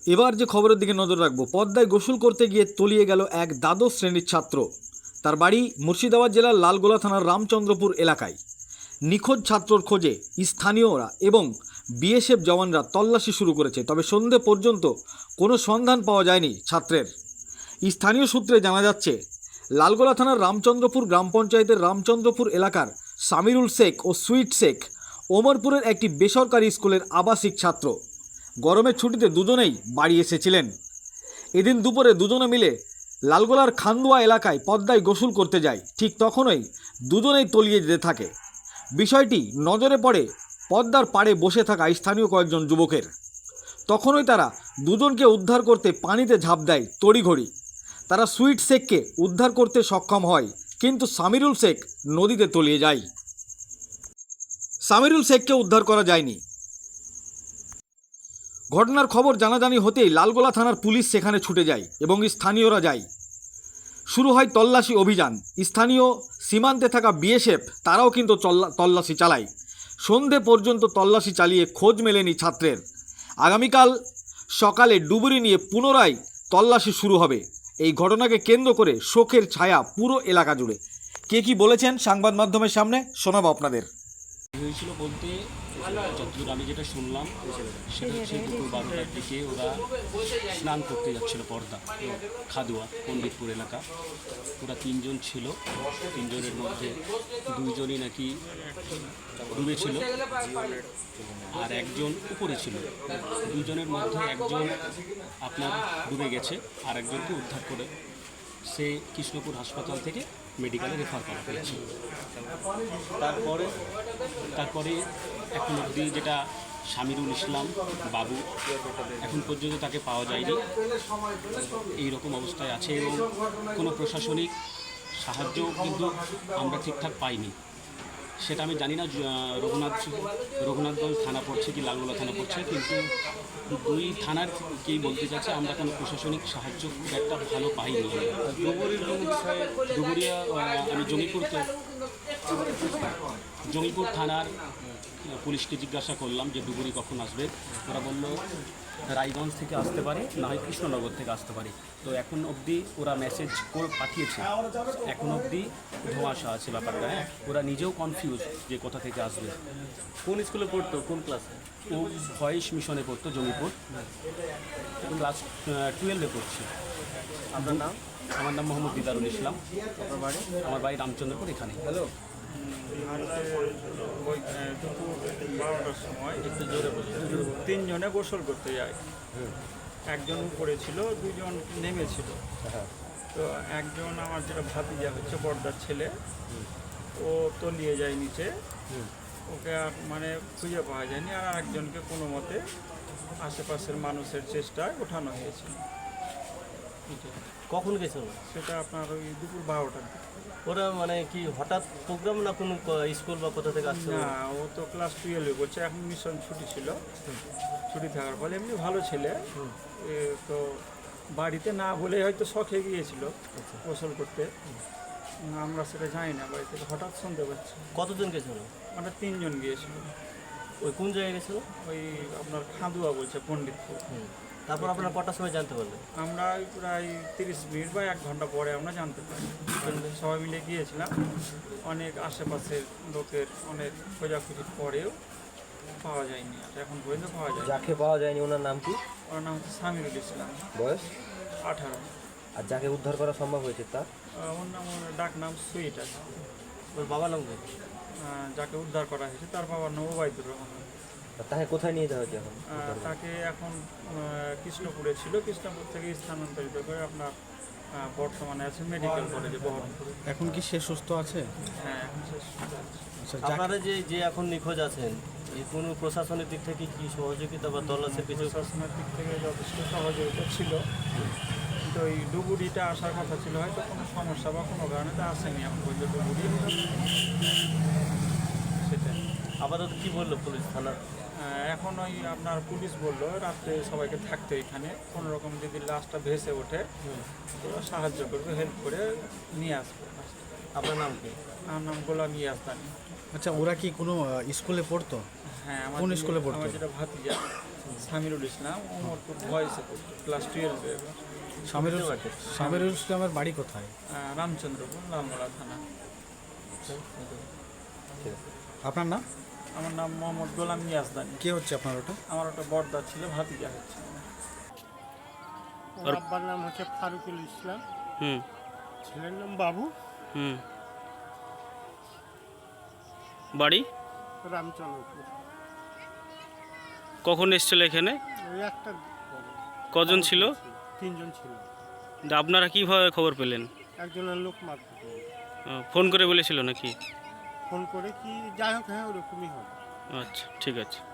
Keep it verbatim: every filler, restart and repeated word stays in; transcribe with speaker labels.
Speaker 1: এবার যে খবরের দিকে নজর রাখবো, পদ্মায় গোসল করতে গিয়ে তলিয়ে গেল এক দ্বাদশ শ্রেণীর ছাত্র। তার বাড়ি মুর্শিদাবাদ জেলার লালগোলা থানার রামচন্দ্রপুর এলাকায়। নিখোঁজ ছাত্রর খোঁজে স্থানীয়রা এবং বিএসএফ জওয়ানরা তল্লাশি শুরু করেছে, তবে সন্ধে পর্যন্ত কোনো সন্ধান পাওয়া যায়নি ছাত্রের। স্থানীয় সূত্রে জানা যাচ্ছে, লালগোলা থানার রামচন্দ্রপুর গ্রাম পঞ্চায়েতের রামচন্দ্রপুর এলাকার সামিরুল শেখ ও সুইট শেখ ওমরপুরের একটি বেসরকারি স্কুলের আবাসিক ছাত্র। গরমের ছুটিতে দুজনেই বাড়ি এসেছিলেন। এদিন দুপুরে দুজনে মিলে লালগোলার খান্দুয়া এলাকায় পদ্মায় গোসল করতে যায়। ঠিক তখনই দুজনেই তলিয়ে যেতে থাকে। বিষয়টি নজরে পড়ে পদ্মার পাড়ে বসে থাকা স্থানীয় কয়েকজন যুবকের। তখনই তারা দুজনকে উদ্ধার করতে পানিতে ঝাঁপ দেয় তড়িঘড়ি। তারা সুইট শেখকে উদ্ধার করতে সক্ষম হয়, কিন্তু সামিরুল শেখ নদীতে তলিয়ে যায়। সামিরুল শেখকে উদ্ধার করা যায়নি। ঘটনার খবর জানাজানি হতেই লালগোলা থানার পুলিশ সেখানে ছুটে যায় এবং স্থানীয়রা যায়। শুরু হয় তল্লাশি অভিযান। স্থানীয় সীমান্তে থাকা বিএসএফ তারাও কিন্তু তল্লাশি চালায়। সন্ধে পর্যন্ত তল্লাশি চালিয়ে খোঁজ মেলেনি ছাত্রের। আগামীকাল সকালে ডুবুরি নিয়ে পুনরায় তল্লাশি শুরু হবে। এই ঘটনাকে কেন্দ্র করে শোকের ছায়া পুরো এলাকা জুড়ে। কে কি বলেছেন সংবাদ মাধ্যমের সামনে শোনাবো আপনাদের।
Speaker 2: হয়েছিল বলতে যতদূর আমি যেটা শুনলাম সেটা হচ্ছে দুপুর বারোটার দিকে ওরা স্নান করতে যাচ্ছিল পদ্মা খাদুয়া পণ্ডিতপুর এলাকা। ওরা তিনজন ছিল, তিনজনের মধ্যে দুইজনই নাকি ডুবেছিল আর একজন উপরে ছিল। দুজনের মধ্যে একজন আপনার ডুবে গেছে আর একজনকে উদ্ধার করে সে কৃষ্ণপুর হাসপাতাল থেকে মেডিকেলে রেফার করা হয়েছে। তারপরে তারপরে এখন অবধি যেটা সামিরুল ইসলাম বাবু, এখন পর্যন্ত তাকে পাওয়া যায়নি। এই রকম অবস্থায় আছে এবং কোনো প্রশাসনিক সাহায্য কিন্তু আমরা ঠিকঠাক পাইনি। সেটা আমি জানি না রঘুনাথ রঘুনাথগঞ্জ থানা পড়ছে কি লালগোলা থানা পড়ছে, কিন্তু দুই থানার কেই বলতে চাচ্ছে আমরা কোনো প্রশাসনিক সাহায্য খুব একটা ভালো পাইনি। ডুবুরিয়া আমি জঙ্গিপুর জঙ্গিপুর থানার পুলিশকে জিজ্ঞাসা করলাম যে ডুবুরি কখন আসবে। ওরা বলল রায়গঞ্জ থেকে আসতে পারে, না হয় কৃষ্ণনগর থেকে আসতে পারে। তো এখন অবধি ওরা মেসেজ করে পাঠিয়েছে, এখন অবধি ধোঁয়াশা আছে ব্যাপারটা। হ্যাঁ, ওরা নিজেও কনফিউজ যে কোথা থেকে আসবে।
Speaker 3: কোন স্কুলে পড়তো, কোন ক্লাসে?
Speaker 2: ও ভয়েস মিশনে পড়তো জঙ্গিপুর, ক্লাস টুয়েলভে পড়ছে।
Speaker 3: আপনার নাম?
Speaker 2: আমার নাম মোহাম্মদ দিদারুল ইসলাম।
Speaker 3: আপনার বাড়ি?
Speaker 2: আমার বাড়ি রামচন্দ্রপুর এখানে।
Speaker 3: হ্যালো,
Speaker 4: আজকে ওই দুপুর বারোটার সময়
Speaker 3: একটু জোরে বলুন।
Speaker 4: তিনজনে গোসল করতে যায়। একজন উপরে ছিল, দুজন নেমেছিল। তো একজন আমার যেটা ভাতিজা হচ্ছে বড়দার ছেলে, ও তলিয়ে যায় নিচে। ওকে আর মানে খুঁজে পাওয়া যায়নি। আর একজনকে কোনো মতে আশেপাশের মানুষের চেষ্টায় ওঠানো হয়েছে।
Speaker 3: কখন গেছিল?
Speaker 4: সেটা আপনার ওই দুপুর বারোটার দিকে।
Speaker 3: ওরা মানে কি হঠাৎ প্রোগ্রাম না কোনো স্কুল বা কোথা থেকে আসছে?
Speaker 4: না, ও তো ক্লাস টুয়েলভে করছে, এখন মিশন ছুটি ছিল। ছুটি থাকার ফলে এমনি ভালো ছেলে, এ তো বাড়িতে না বলে হয়তো শখে গিয়েছিল গোসল করতে। আমরা সেটা জানি না, বাড়ি থেকে হঠাৎ শুনতে পাচ্ছি।
Speaker 3: কতজন গেছিল?
Speaker 4: মানে তিনজন গিয়েছিল।
Speaker 3: ওই কোন জায়গায় গেছিল?
Speaker 4: ওই আপনার খাদুয়া বলছে, পণ্ডিতপুর।
Speaker 3: তারপর আপনার কটার সময় জানতে পারলেন?
Speaker 4: আমরা ওই প্রায় তিরিশ মিনিট বা এক ঘন্টা পরে আমরা জানতে পারি। সবাই মিলে গিয়েছিলাম, অনেক আশেপাশের লোকের অনেক খোঁজাখুঁজির পরেও পাওয়া যায়নি। আর এখন পর্যন্ত পাওয়া যায়।
Speaker 3: যাকে পাওয়া যায়নি ওনার নাম কি?
Speaker 4: ওর নাম হচ্ছে সামিরুল ইসলাম,
Speaker 3: বয়স?
Speaker 4: আঠারো।
Speaker 3: আর যাকে উদ্ধার করা সম্ভব হয়েছে তার?
Speaker 4: ওর নাম, ওর ডাক নাম সুইট আছে।
Speaker 3: ওর বাবার নাম কি?
Speaker 4: যাকে উদ্ধার করা হয়েছে তার বাবার নাম ওবায়দুর রহমান।
Speaker 3: তাকে কোথায় নিয়ে যাওয়া হয়েছে এখন?
Speaker 4: আহ, তাকে এখন আহ, কৃষ্ণপুরে ছিল, কৃষ্ণপুর থেকে স্থানান্তরিত করে আপনার আহ, বর্তমানে আছে মেডিকেল কলেজে বহরমপুরে।
Speaker 1: এখন কি সে সুস্থ আছে?
Speaker 4: হ্যাঁ, এখন শেষ।
Speaker 3: আপনারা যে যে এখন নিখোঁজ আছেন, এই কোনো প্রশাসনের দিক থেকে কি সহযোগিতা বা তল্লাশির কিছু?
Speaker 4: প্রশাসনের দিক থেকে যথেষ্ট সহযোগিতা ছিল, কিন্তু ওই ডুবুরিটা আসার কথা ছিল, হয়তো কোনো সমস্যা বা কোনো কারণে তো আসেনি এখন পর্যন্ত ডুবুরি। সেটাই।
Speaker 3: আপাতত কি বললো পুলিশ থানা?
Speaker 4: এখন ওই আপনার পুলিশ বললো রাত্রে সবাইকে থাকতে এখানে, কোনো রকম যদি লাশটা ভেসে ওঠে ওরা সাহায্য করবে, হেল্প করে নিয়ে আসবে।
Speaker 3: আপনার নাম কি?
Speaker 4: আমার নাম গোলাম ইয়াসদানি।
Speaker 1: আচ্ছা, ওরা কি কোনো স্কুলে পড়তো?
Speaker 4: হ্যাঁ, আমার
Speaker 1: কোন স্কুলে পড়তো?
Speaker 4: আমার যেটা ভাতিজা সামিরুল ইসলাম ওমরপুর ভয়েসে পড়তো ক্লাস টুয়েলভে এবার
Speaker 1: সামিরুল সামিরুল ইসলামের বাড়ি কোথায়?
Speaker 4: আহ, রামচন্দ্রপুর লালগোলা থানা।
Speaker 1: আপনার নাম?
Speaker 4: আমার নাম মোহাম্মদ গোলাম ইয়াজদানি।
Speaker 1: কে হচ্ছে আপনার ওটা?
Speaker 4: আমার ওটা বর্দা ছিল, ভাতিজা হচ্ছে।
Speaker 5: ওর আব্বার নাম হচ্ছে ফারুকুল ইসলাম,
Speaker 6: হুম
Speaker 5: ছেলের নাম বাবু,
Speaker 6: হুম বাড়ি
Speaker 5: রামচন্দ্রপুর।
Speaker 6: কখন এসেছিল এখানে?
Speaker 5: ওই একটা
Speaker 6: কজন ছিল?
Speaker 5: তিনজন ছিল।
Speaker 6: তা আপনারা কীভাবে খবর পেলেন?
Speaker 5: একজনের লোক মারতে
Speaker 6: আহ, ফোন করে বলেছিল নাকি?
Speaker 5: ফোন করে কি, যাই হোক, হ্যাঁ ওরকমই হবে।
Speaker 6: আচ্ছা, ঠিক আছে।